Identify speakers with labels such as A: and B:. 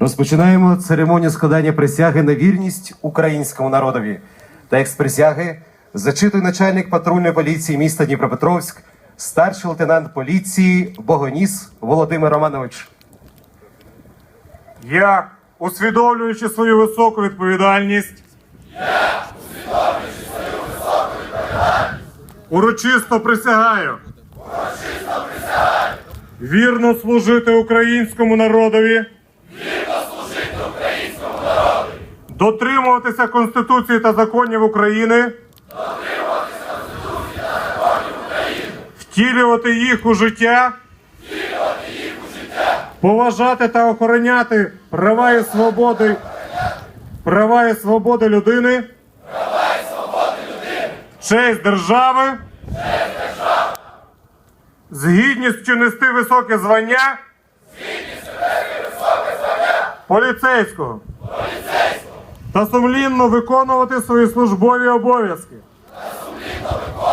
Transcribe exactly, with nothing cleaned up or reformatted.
A: Розпочинаємо церемонію складання присяги на вірність українському народові. Текст присяги зачитує начальник патрульної поліції міста Дніпропетровськ, старший лейтенант поліції Богоніс Володимир Романович.
B: Я, усвідомлюючи свою високу відповідальність,
C: Я, усвідомлюючи свою високу відповідальність,
B: урочисто присягаю,
C: урочисто присягаю
B: вірно служити українському народові,
C: вірно служити українському народу,
B: дотримуватися Конституції та законів України,
C: дотримуватися Конституції та законів України,
B: втілювати їх у життя,
C: втілювати їх у життя,
B: поважати та охороняти права і свободи, права і свободи людини,
C: права і свободи людини,
B: честь держави,
C: честь держави,
B: з гідністю нести високе звання
C: з гідністю нести високе звання
B: поліцейського
C: поліцейського
B: та сумлінно виконувати свої службові обов'язки
C: та сумлінно виконувати